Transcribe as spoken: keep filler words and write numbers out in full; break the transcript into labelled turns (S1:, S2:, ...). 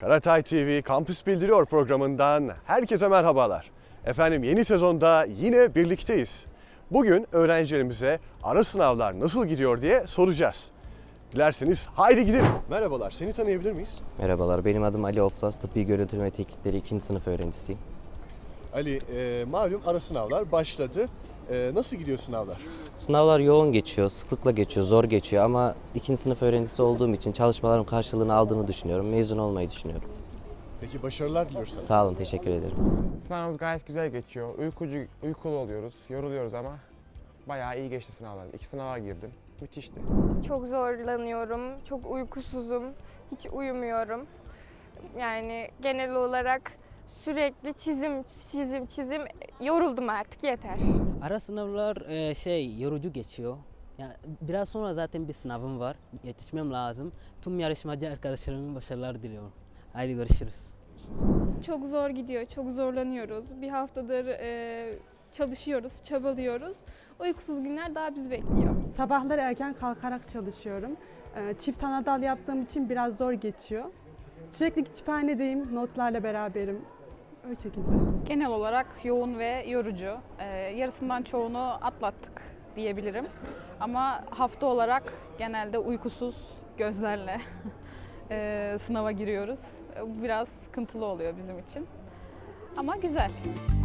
S1: Karatay T V Kampüs Bildiriyor programından herkese merhabalar. Efendim yeni sezonda yine birlikteyiz. Bugün öğrencilerimize ara sınavlar nasıl gidiyor diye soracağız. Dilerseniz haydi gidelim. Merhabalar, seni tanıyabilir miyiz?
S2: Merhabalar, benim adım Ali Oflas, Tıbbi Görüntüleme Teknikleri ikinci sınıf öğrencisiyim.
S1: Ali, e, malum ara sınavlar başladı. E, nasıl gidiyor sınavlar?
S2: Sınavlar yoğun geçiyor, sıklıkla geçiyor, zor geçiyor ama ikinci sınıf öğrencisi olduğum için çalışmalarım karşılığını aldığını düşünüyorum. Mezun olmayı düşünüyorum.
S1: Peki başarılar diliyoruz sana.
S2: Sağ olun, teşekkür ederim.
S3: Sınavımız gayet güzel geçiyor. Uykucu, uykulu oluyoruz, yoruluyoruz ama bayağı iyi geçti sınavlar. İki sınava girdim. Müthişti.
S4: Çok zorlanıyorum, çok uykusuzum, hiç uyumuyorum. Yani genel olarak sürekli çizim, çizim, çizim, yoruldum artık yeter.
S5: Ara sınavlar e, şey yorucu geçiyor. Yani biraz sonra zaten bir sınavım var. Yetişmem lazım. Tüm yarışmacı arkadaşlarımın başarılar diliyorum. Haydi görüşürüz.
S6: Çok zor gidiyor, çok zorlanıyoruz. Bir haftadır e, çalışıyoruz, çabalıyoruz. Uykusuz günler daha bizi bekliyor.
S7: Sabahları erken kalkarak çalışıyorum. Ee, Çift anadal yaptığım için biraz zor geçiyor. Sürekli kütüphanedeyim, notlarla beraberim. O şekilde.
S8: Genel olarak yoğun ve yorucu. Ee, yarısından çoğunu atlattık diyebilirim. Ama hafta olarak genelde uykusuz gözlerle e, sınava giriyoruz. Bu biraz sıkıntılı oluyor bizim için. Ama güzel.